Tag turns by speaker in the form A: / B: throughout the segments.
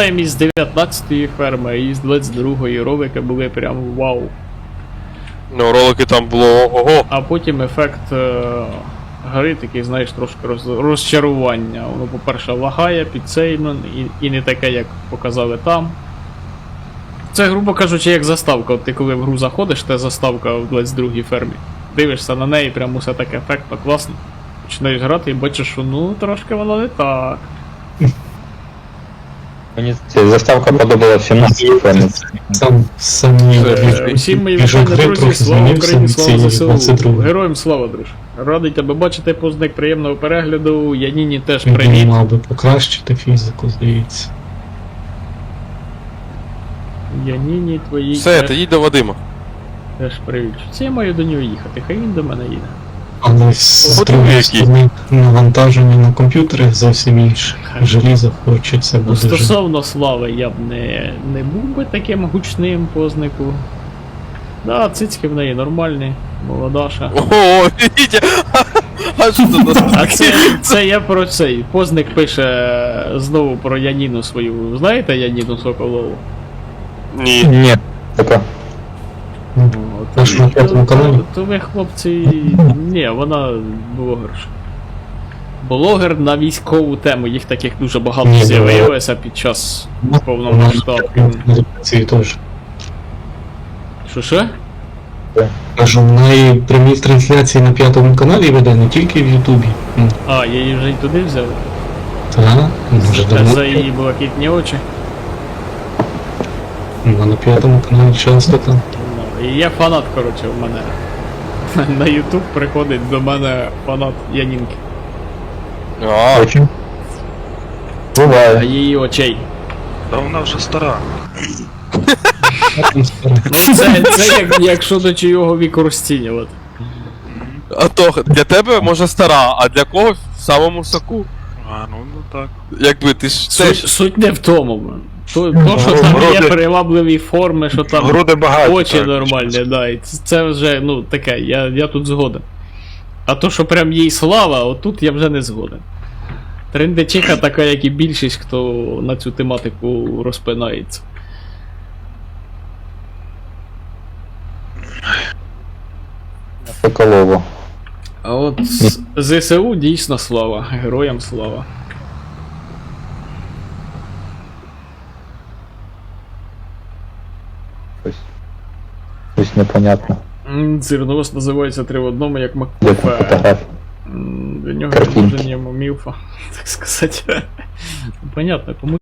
A: пам'ятаємо із 19-ї ферми, і з 22-ї ролики були прям вау.
B: Ну, ролики там було ого.
A: А потім ефект гри такий, знаєш, трошки розчарування. Воно, по-перше, лагає, підсейно, і не таке, як показали там. Це, грубо кажучи, як заставка. От ти коли в гру заходиш, це заставка в 22-й фермі. Дивишся на неї, прям усе так ефектно, класно. Починаєш грати і бачиш, що ну трошки воно не так.
C: Мені ця заставка подобалася 17 фермі.
A: Усім мої вітання, друзі, слава Україні, слава ЗСУ. Героям слава, друже. Радий тебе бачити, позник, приємного перегляду. Яніні теж привіт.
D: Він мав би покращити фізику, здається.
A: Яніні твої
B: Все, ти їдь до Вадима.
A: теж привіт. Це я маю до нього їхати, хай він до мене їде.
D: Але з
B: От
D: другої
B: які.
D: сторони навантаження на комп'ютери зовсім інше. Желізо хочеться
A: Ну,
D: буде жити.
A: стосовно слави, я б не був би таким гучним познику. Да, цицьки в неї нормальні, молодаша.
B: Ого, Вітя! А що це нас?
A: А це я про цей. Позник пише знову про Яніну свою. Знаєте Яніну Соколову?
B: Ні.
C: Ні, така.
D: Наш на п'ятому каналі.
A: То ви, хлопці. Ні, вона блогерша. Блогер на військову тему, їх таких дуже багато
D: Ні,
A: з'явилося під час повномасштабки.
D: Ці теж.
A: Що?
D: Кажу, в неї прямі трансляції на п'ятому каналі веде, не тільки в Ютубі.
A: А, її вже й туди взяли?
D: Так, може давно.
A: За її блакитні очі.
D: Ну, на п'ятому каналі часто там.
A: Ну, і є фанат, коротше, в мене. На Ютуб приходить до мене фанат Янінки.
B: А,
C: Очень.
A: А
C: Буває.
A: її очей.
E: Та вона вже стара.
D: Там старе.
A: Ну, це як щодо чийого віку розцінювати.
B: а то для тебе може стара, а для когось в самому соку.
E: А, ну так.
B: Якби ти ж теж.
A: Суть не в тому, блин. То, що там є
E: Груди-
A: привабливі форми, що там
E: Груди багаті.
A: очі
E: так.
A: нормальні, да, і це вже, ну, таке, я тут згоден. А то, що прям їй слава, отут я вже не згоден. Трендечиха така, як і більшість, хто на цю тематику розпинається.
C: Соколово.
A: А от ЗСУ дійсно слава, героям слава.
C: Щось непонятно.
A: Зерновоз називається 3 в одному, як
C: Де там
A: Маккуфе.
C: фотографії?
A: Для нього
C: Картинки.
A: відложення мілфа, так сказати. Понятно, кому.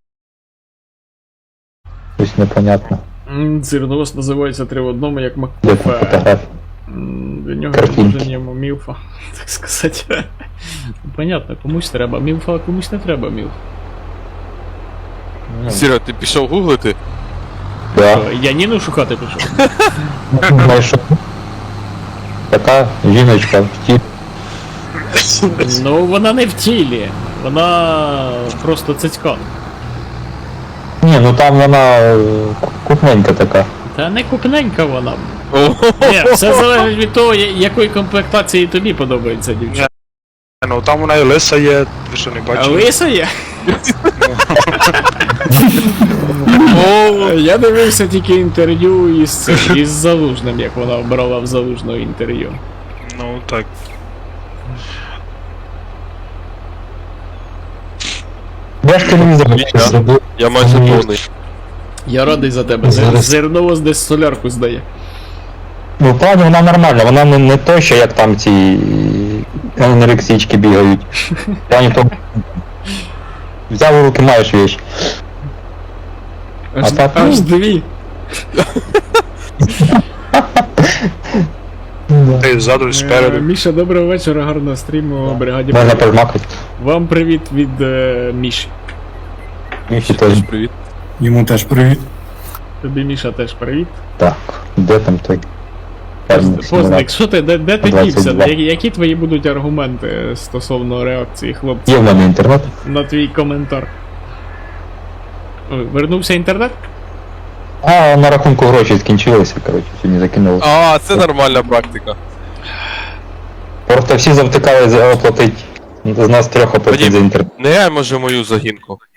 C: Щось непонятно.
A: Зерновоз називається 3 в одному, як
C: Де там
A: Маккуфе.
C: фотографії?
A: Для нього
C: Картинки.
A: відложення мілфа, так сказати. Понятно, комусь треба мілфа, а комусь не треба мілфа.
B: Сіра, ти пішов гуглити?
C: Да.
A: Я Ніну шукати пішов.
C: Знайшов. Така жіночка в ті.
A: Ну, вона не в тілі, вона просто цицька.
C: Ні, ну там вона купненька така.
A: Та не купненька вона.
B: Ого.
A: Ні, все залежить від того, якої комплектації тобі подобається дівчина.
E: Ну там вона і лиса є, ви що не
A: А
E: бачили?
A: лиса є?
B: О,
A: Я дивився тільки інтерв'ю із Залужним, як вона брала в Залужного інтерв'ю.
E: Ну так.
C: Я ж телевізор
B: Я-
D: Зробив.
B: я майже повний.
A: Я радий за тебе.
D: Зараз.
A: Зерновоз десь солярку здає.
C: Ну, в плані вона нормальна, вона не то, що як там ці анорексички бігають. В плані того, взяв у руки, маєш вещь. А так,
A: Аж дві.
E: Ти ззаду і спереду.
A: Міша, доброго вечора, гарного стріму, бригаді.
C: Можна
A: привіт.
C: пожмакати.
A: Вам привіт від Міші.
C: Міші теж.
B: Привіт.
F: Йому теж привіт.
A: Тобі, Міша, теж привіт.
C: Так, де там той?
A: Позник, що ти, де ти
C: 22.
A: дівся? Які твої будуть аргументи стосовно реакції хлопців
C: Є в мене інтернет?
A: на твій коментар? Ой, вернувся інтернет?
C: А, на рахунку гроші скінчилися, коротше, сьогодні закинули.
B: А, це нормальна практика.
C: Просто всі завтикали оплатить. З нас трьох оплатить
B: Вадим.
C: за інтернет.
B: Не я може мою загінку.